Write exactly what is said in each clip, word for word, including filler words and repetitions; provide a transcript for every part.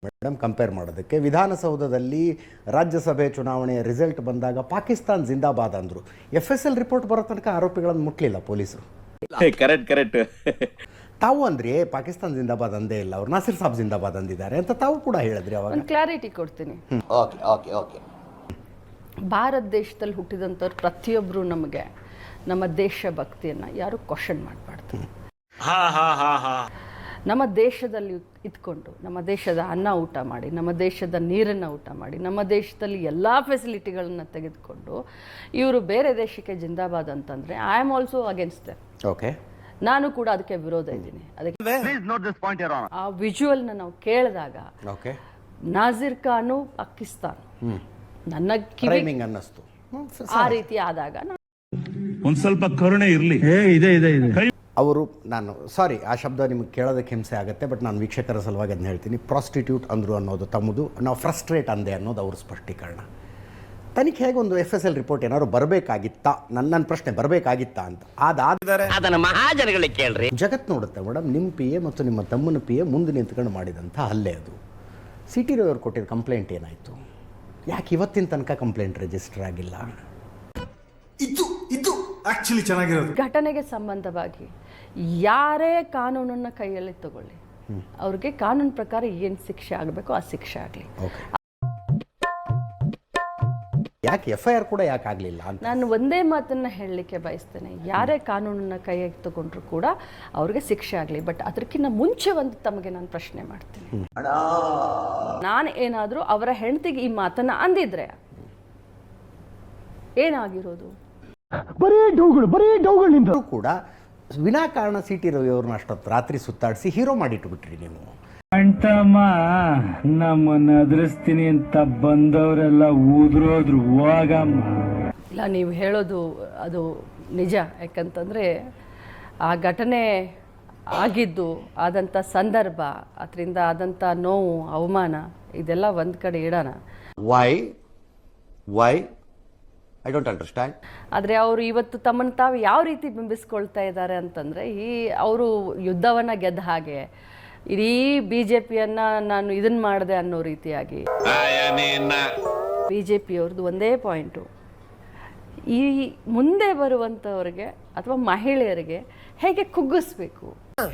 Madam compare ಮಾಡೋದಕ್ಕೆ ವಿಧಾನಸೌಧದಲ್ಲಿ ರಾಜ್ಯಸಭೆ ಚುನಾವಣೆಯ ರಿಸಲ್ಟ್ ಬಂದಾಗ ಪಾಕಿಸ್ತಾನ್ ಜಿಂದಾಬಾದ್ ಅಂದರು. ಎಫ್ ಎಸ್ ಎಲ್ ರಿಪೋರ್ಟ್ ಬರೋ ತನಕ ಆರೋಪಿಗಳನ್ನು ಮುಟ್ಲಿಲ್ಲ ಪೊಲೀಸರು. ಕರೆಕ್ಟ್ ಕರೆಕ್ಟ್ ತಾವು ಅಂದ್ರೆ ಪಾಕಿಸ್ತಾನ್ ಜಿಂದಾಬಾದ್ ಅಂದೇ ಇಲ್ಲ, ಅವ್ರು ನಾಸಿರ್ ಸಾಬ್ ಜಿಂದಾಬಾದ್ ಅಂದಿದ್ದಾರೆ ಅಂತ ತಾವು ಕೂಡ ಹೇಳಿದ್ರಿ. ಅವಾಗ ಒಂದು ಕ್ಲಾರಿಟಿ ಕೊಡ್ತೀನಿ. ಓಕೆ ಓಕೆ ಓಕೆ ಭಾರತ ದೇಶದಲ್ಲಿ ಹುಟ್ಟಿದಂಥವ್ರು ಪ್ರತಿಯೊಬ್ಬರು ನಮಗೆ ನಮ್ಮ ದೇಶ ಭಕ್ತಿಯನ್ನು ಯಾರು ಕ್ವಶನ್ ಮಾಡಬಾರ್ದು. ನಮ್ಮ ದೇಶದಲ್ಲಿ ಇದ್ಕೊಂಡು ನಮ್ಮ ದೇಶದ ಅನ್ನ ಊಟ ಮಾಡಿ, ನಮ್ಮ ದೇಶದ ನೀರನ್ನು ಊಟ ಮಾಡಿ, ನಮ್ಮ ದೇಶದಲ್ಲಿ ಎಲ್ಲ ಫೆಸಿಲಿಟಿಗಳನ್ನು ತೆಗೆದುಕೊಂಡು ಇವರು ಬೇರೆ ದೇಶಕ್ಕೆ ಜಿಂದಾಬಾದ್ ಅಂತಂದರೆ I am also against them. Okay, ನಾನು ಕೂಡ ಅದಕ್ಕೆ ವಿರೋಧ ಇದ್ದೀನಿ. ಅದಕ್ಕೆ ಆ ವಿಜುವಲ್ನ ನಾವು ಕೇಳಿದಾಗ ಓಕೆ, ನಾಜಿರ್ ಖಾನು ಪಾಕಿಸ್ತಾನ್ ನನ್ನ ಕಿವಿ ಅನ್ನಿಸ್ತು. ಆ ರೀತಿ ಆದಾಗ ಒಂದ್ ಸ್ವಲ್ಪ ಕರುಣೆ ಇರಲಿ. ಇದೆ ಇದೆ ಇದೆ ಅವರು, ನಾನು ಸಾರಿ ಆ ಶಬ್ದ ನಿಮಗೆ ಕೇಳೋದಕ್ಕೆ ಹಿಂಸೆ ಆಗುತ್ತೆ, ಬಟ್ ನಾನು ವೀಕ್ಷಕರ ಸಲುವಾಗಿ ಅದನ್ನ ಹೇಳ್ತೀನಿ. ಪ್ರಾಸ್ಟಿಟ್ಯೂಟ್ ಅಂದರು ಅನ್ನೋದು ತಮ್ಮದು, ನಾವು ಫ್ರಸ್ಟ್ರೇಟ್ ಅಂದೆ ಅನ್ನೋದು ಅವ್ರ ಸ್ಪಷ್ಟೀಕರಣ. ತನಿಖೆಗೆ ಒಂದು ಎಫ್ ಎಸ್ ಎಲ್ ರಿಪೋರ್ಟ್ ಏನಾದ್ರು ಬರಬೇಕಾಗಿತ್ತಾ, ನನ್ನ ನನ್ನ ಪ್ರಶ್ನೆ ಬರಬೇಕಾಗಿತ್ತಾ ಅಂತ. ಅದಾದರೆ ಅದನ್ನ ಮಹಾಜನಗಳಿಗೆ ಕೇಳ್ರಿ. ಜಗತ್ ನೋಡುತ್ತೆ ಮೇಡಮ್, ನಿಮ್ಮ ಪಿ ಎ ಮತ್ತು ನಿಮ್ಮ ತಮ್ಮನ ಪಿ ಎ ಮುಂದೆ ನಿಂತ್ಕೊಂಡು ಮಾಡಿದಂಥ ಹಲ್ಲೆ ಅದು. ಸಿ ಟಿ ರವಿಯವರು ಕೊಟ್ಟಿದ್ದ ಕಂಪ್ಲೇಂಟ್ ಏನಾಯಿತು? ಯಾಕೆ ಇವತ್ತಿನ ತನಕ ಕಂಪ್ಲೇಂಟ್ ರಿಜಿಸ್ಟರ್ ಆಗಿಲ್ಲ? ಇದು ಇದು ಆಕ್ಚುಲಿ ಚೆನ್ನಾಗಿರೋದು. ಘಟನೆಗೆ ಸಂಬಂಧವಾಗಿ ಯಾರೇ ಕಾನೂನನ್ನು ಕೈಯಲ್ಲಿ ತಗೊಳ್ಳಿ, ಅವ್ರಿಗೆ ಕಾನೂನು ಪ್ರಕಾರ ಏನು ಶಿಕ್ಷೆ ಆಗಬೇಕು ಆ ಶಿಕ್ಷೆ ಆಗಲಿ. ಓಕೆ, ಯಾಕೆ ಎಫ್ ಐ ಆರ್ ಕೂಡ ಯಾಕೆ ಆಗಲಿಲ್ಲ ಅಂತ ನಾನು ಒಂದೇ ಮಾತನ್ನು ಹೇಳಲಿಕ್ಕೆ ಬಯಸ್ತೇನೆ. ಯಾರೇ ಕಾನೂನನ್ನು ಕೈಯಾಗಿ ತಗೊಂಡ್ರು ಕೂಡ ಅವ್ರಿಗೆ ಶಿಕ್ಷೆ ಆಗಲಿ. ಬಟ್ ಅದಕ್ಕಿಂತ ಮುಂಚೆ ಒಂದು ತಮಗೆ ನಾನು ಪ್ರಶ್ನೆ ಮಾಡ್ತೀನಿ. ನಾನು ಏನಾದರೂ ಅವರ ಹೆಂಡತಿಗೆ ಈ ಮಾತನ್ನು ಅಂದಿದ್ರೆ ಏನಾಗಿರೋದು? ಬರೀ ಡೌಗಳು ಬರೀ ಡೌಗಳಿಂದ ಕೂಡ ವಿನಾಕಾರಣ ಸಿ ಟಿ ರವಿ ಅವ್ರನ್ನ ಅಷ್ಟೊತ್ತು ರಾತ್ರಿ ಸುತ್ತಾಡಿಸಿ ಹೀರೋ ಮಾಡಿಟ್ಬಿಟ್ರಿ ನೀವು. ಅಂಟಮ್ಮ ನಮ್ಮನ್ನ ಅದ್ರಿಸ್ತೀನಿ ಅಂತ ಬಂದವರೆಲ್ಲ ಊದ್ರೋದ್ರು ಹೋಗಮ್ಮ. ಇಲ್ಲ, ನೀವು ಹೇಳೋದು ಅದು ನಿಜ. ಯಾಕಂತಂದರೆ ಆ ಘಟನೆ ಆಗಿದ್ದು, ಆದಂಥ ಸಂದರ್ಭ, ಅದರಿಂದ ಆದಂಥ ನೋವು, ಅವಮಾನ ಇದೆಲ್ಲ ಒಂದು ಕಡೆ ಇಡೋಣ. Why why I don't understand. ಆದರೆ ಅವರು ಇವತ್ತು ತಮ್ಮನ್ನು ತಾವು ಯಾವ ರೀತಿ ಬಿಂಬಿಸ್ಕೊಳ್ತಾ ಇದ್ದಾರೆ ಅಂತಂದರೆ, ಈ ಅವರು ಯುದ್ಧವನ್ನು ಗೆದ್ದ ಹಾಗೆ ಇಡೀ ಬಿ ಜೆ ಪಿಯನ್ನು ನಾನು ಇದನ್ನು ಮಾಡಿದೆ ಅನ್ನೋ ರೀತಿಯಾಗಿ. ಬಿ ಜೆ ಪಿಯವ್ರದ್ದು ಒಂದೇ ಪಾಯಿಂಟು, ಈ ಮುಂದೆ ಬರುವಂಥವ್ರಿಗೆ ಅಥವಾ ಮಹಿಳೆಯರಿಗೆ ಹೇಗೆ ಕುಗ್ಗಿಸ್ಬೇಕು.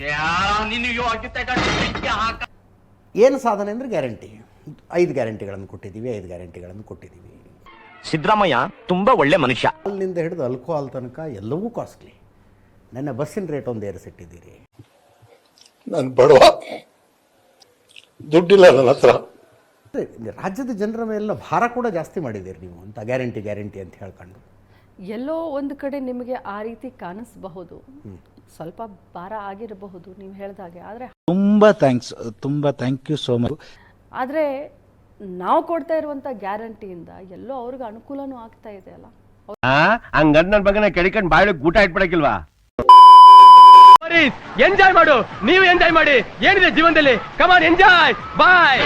ಏನು ಸಾಧನೆ ಅಂದರೆ ಗ್ಯಾರಂಟಿ. ಐದು ಗ್ಯಾರಂಟಿಗಳನ್ನು ಕೊಟ್ಟಿದ್ದೀವಿ, ಐದು ಗ್ಯಾರಂಟಿಗಳನ್ನು ಕೊಟ್ಟಿದ್ದೀವಿ. ಸಿದ್ದರಾಮಯ್ಯ ತುಂಬಾ ಒಳ್ಳೆ ಮನುಷ್ಯ. ಅಲ್ಲಿಂದ ಹಿಡಿದು ಅಲ್ಕೋಹಾಲ್ ತನಕ ಎಲ್ಲವೂ ಕಾಸ್ಟ್ಲಿ. ನನ್ನ ಬಸ್ಸಿನ ರೇಟ್ ಒಂದು ಏರಿಸಿಟ್ಟಿದ್ದೀರಿ. ನಾನು ಬಡವ, ದುಡ್ಡಿಲ್ಲ ನನ್ನ ಹತ್ರ. ರಾಜ್ಯದ ಜನರ ಮೇಲೆಲ್ಲ ಭಾರ ಕೂಡ ಜಾಸ್ತಿ ಮಾಡಿದ್ದೀರಿ ನೀವು ಅಂತ ಗ್ಯಾರಂಟಿ ಗ್ಯಾರಂಟಿ ಅಂತ ಹೇಳ್ಕೊಂಡು. ಎಲ್ಲೋ ಒಂದು ಕಡೆ ನಿಮಗೆ ಆ ರೀತಿ ಕಾಣಿಸಬಹುದು, ಸ್ವಲ್ಪ ಭಾರ ಆಗಿರಬಹುದು ನೀವು ಹೇಳಿದಾಗೆ. ಆದರೆ ತುಂಬಾ ಥ್ಯಾಂಕ್ಸ್, ತುಂಬಾ ಥ್ಯಾಂಕ್ ಯು ಸೋ ಮಚ್. ಆದರೆ ನಾವು ಕೊಡ್ತಾ ಇರುವಂಥ ಗ್ಯಾರಂಟಿಯಿಂದ ಎಲ್ಲೋ ಅವ್ರಿಗೆ ಅನುಕೂಲನೂ ಆಗ್ತಾ ಇದೆ ಅಲ್ಲ. ಹಂಗಂದ್ ನನ್ ಬಗ್ಗೆ ಕೆಡಿಕೊಂಡು ಬಾಯಿ ಗೂಟ ಇಟ್ಬಿಡಕ್ಕಿಲ್ವಾ? ಎಂಜಾಯ್ ಮಾಡು, ನೀವು ಎಂಜಾಯ್ ಮಾಡಿ. ಏನಿದೆ ಜೀವನದಲ್ಲಿ, ಕಮಾನ್ ಎಂಜಾಯ್, ಬಾಯ್.